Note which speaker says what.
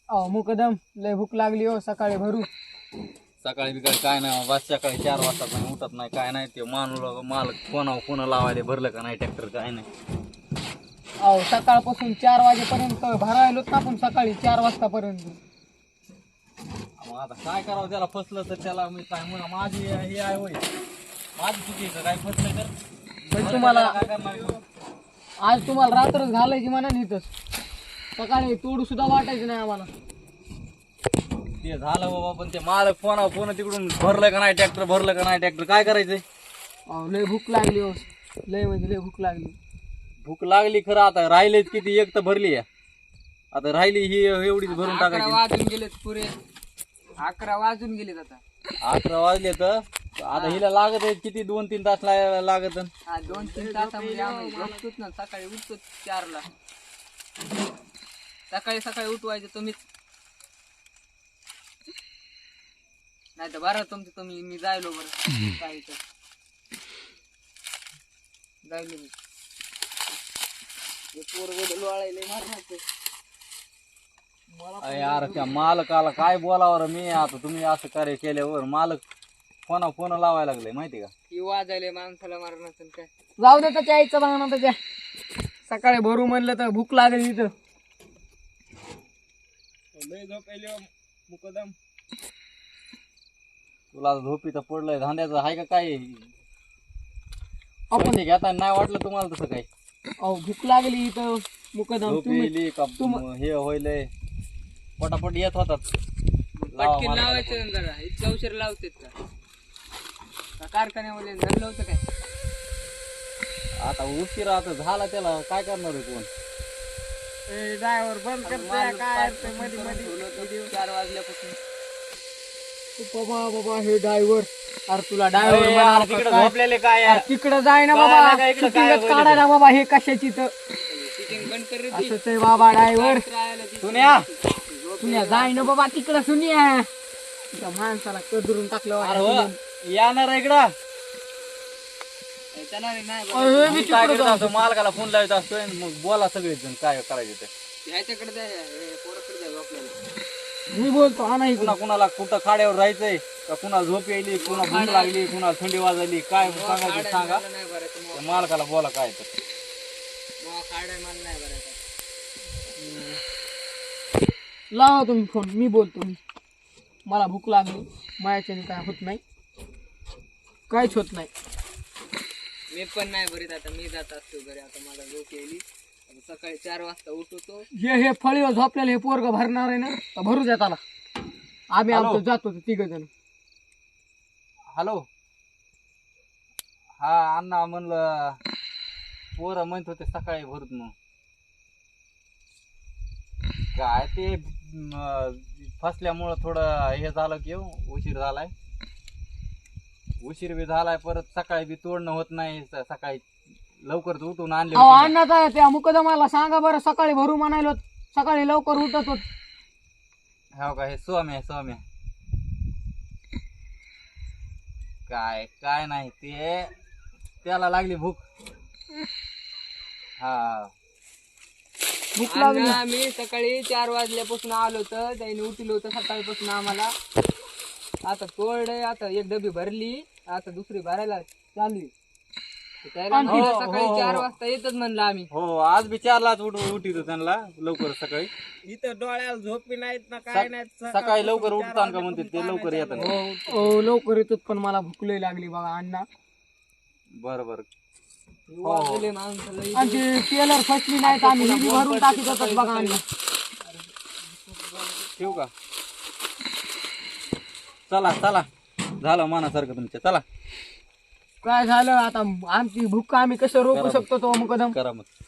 Speaker 1: अहो मुकदम लय भूक लागली हो, सकाळी भरू.
Speaker 2: सकाळी बिकाळी काय नाही बस सकाळी 4 वाजता पण उठत नाही काय नाही ते मालक फोन लावायला भरलं का नाही ट्रॅक्टर काय नाही.
Speaker 1: अहो सकाळपासून 4 वाजेपर्यंत भरायलोत ना आपण, सकाळी 4 वाजतापर्यंत.
Speaker 2: मग आता काय करावं त्याला फसलं तर त्याला मी काय म्हणा माझी हे आहे होय माझी चुकीचं काय फसलं तर
Speaker 1: पण तुम्हाला
Speaker 2: काय करणार.
Speaker 1: आज तुम्हाला रात्रच घालायची म्हणा इथंच, सकाळी तोडू सुद्धा वाटायचं नाही आम्हाला.
Speaker 2: ते झालं बाबा पण ते मालक फोन तिकडून भरलं का नाही ट्रॅक्टर भरलं का नाही ट्रॅक्टर काय करायचंय.
Speaker 1: अहो लय भूक लागली हो, लय म्हणजे लय भूक लागली.
Speaker 2: भूक लागली खरं आता राहिलेच किती एक तर भरली आहे आता राहिली ही एवढीच भरून
Speaker 1: 11
Speaker 2: टाकायची.
Speaker 1: वाजून गेलेत पुरे, 11 वाजून गेलेत आता.
Speaker 2: 11 वाजले तर आता हिला लागत आहे किती 2-3 तास लागत.
Speaker 1: हा 2-3 तासामध्ये आम्ही झोपतोच ना, सकाळी उठतो 4ला. सकाळी उठवायचं तुम्हीच, नाही तर बरं तुमचं तुम्ही, मी जायलो बरं काय तर जायलो मी.
Speaker 2: यार त्या मालकाला काय बोलावर मी आता तुम्ही असं कार्य केल्यावर मालक फोन लावायला लागले माहिती का.
Speaker 1: की वाजायले माणसाला मारणार काय. जाऊ दे त्याच्या आईचं बघा ना, त्याच्या सकाळी भरू म्हणलं तर भूक लागली इथं.
Speaker 2: मुकदम तुला झोपीचं पडलंय धांद्याचं आहे का काय आपण घेता नाही वाटलं तुम्हाला तसं काय.
Speaker 1: अहो भूक लागली इथं मुकदम.
Speaker 2: झोप येईल का हे होईल पटापट येत होतात.
Speaker 1: पटकीन लावायचं जरा, इतका उशीर लावतेत का कारखान्यामध्ये झालं होतं काय.
Speaker 2: आता उशीर आता झाला त्याला काय करणार आहे कोण.
Speaker 1: ड्रायव्हर बंद करतोय काय मध्ये मध्ये 4 वाजल्यापासून. बाबा हे ड्रायव्हर, अरे तुला ड्रायव्हर
Speaker 2: तिकडे झोपलेले काय यार?
Speaker 1: तिकडे जाय ना बाबा, शूटिंगच काढा ना बाबा, हे कशाची तर असंच आहे बाबा ड्रायव्हर. सुन्या जाय ना बाबा तिकडं, सुन्या त्या माणसाला कदरून टाकलं.
Speaker 2: येणार इकडं काय करत असतो मालकाला फोन लावत असतोय मग बोला सगळेच जण काय करायचं ते.
Speaker 1: मी बोलतो हा नाही
Speaker 2: कुणाला कुठं खाड्यावर राहायचंय का कुणाला झोप यायली कुणा भूक लागली कुणाला थंडी वाजली काय सांगायचं सांगा त्या मालकाला बोला काय तर.
Speaker 1: लावा तुम्ही फोन, मी बोलतो. मला भूक लागली, माझ्याच्याने काय होत नाही, काहीच होत नाही. मी पण नाही भरीत आता, मी जात असतो घरी. आता मला झोप यायली, सकाळी 4 वाजता उठवतो. हे फळीवर झोपलेलं हे पोरग भरणार आहे ना, तर भरू द्या त्याला. आम्ही आमचं जातो 3 जण.
Speaker 2: हॅलो हा अण्णा म्हणलं पोरं म्हणत होते सकाळी भरत मग काय ते फसल्यामुळं थोडं हे झालं की उशीर झालाय. उशीर बी झालाय परत सकाळी बी तोडणं होत नाही. सकाळी लवकर उठून आणले
Speaker 1: अण्णा त्या मुकदमाला सांगा बरं, सकाळी भरू म्हणायलो, सकाळी लवकर उठत होत.
Speaker 2: हो का हे सौम्या काय नाही ते त्याला लागली भूक. हा
Speaker 1: भूक लागली. आम्ही सकाळी 4 वाजल्यापासून आलो तर त्याने उठलो होतं सकाळपासून आम्हाला. आता तोडे, आता 1 डबी भरली, आता दुसरी भरायला चालू. सकाळी 4 वाजता येतच म्हणलं आम्ही.
Speaker 2: हो आज बी 4लाच उठितो त्यांना लवकर सकाळी.
Speaker 1: इथं डोळ्याला झोपी नाहीत ना काय नाही.
Speaker 2: सकाळी लवकर उठतात का म्हणते ते लवकर येतात.
Speaker 1: हो लवकर येतात पण मला भूक लई लागली बघा अण्णा.
Speaker 2: बरोबर
Speaker 1: आणि टेलर फसली नाहीत, आम्ही ही भरून टाकीत होतात बघा अण्णा.
Speaker 2: ठेवू का चला झालं मनासारखं तुमच्या. चला
Speaker 1: काय झालं आता, आमची भूक आम्ही कसं रोखू शकतो तो मुकदम.
Speaker 2: करा मग.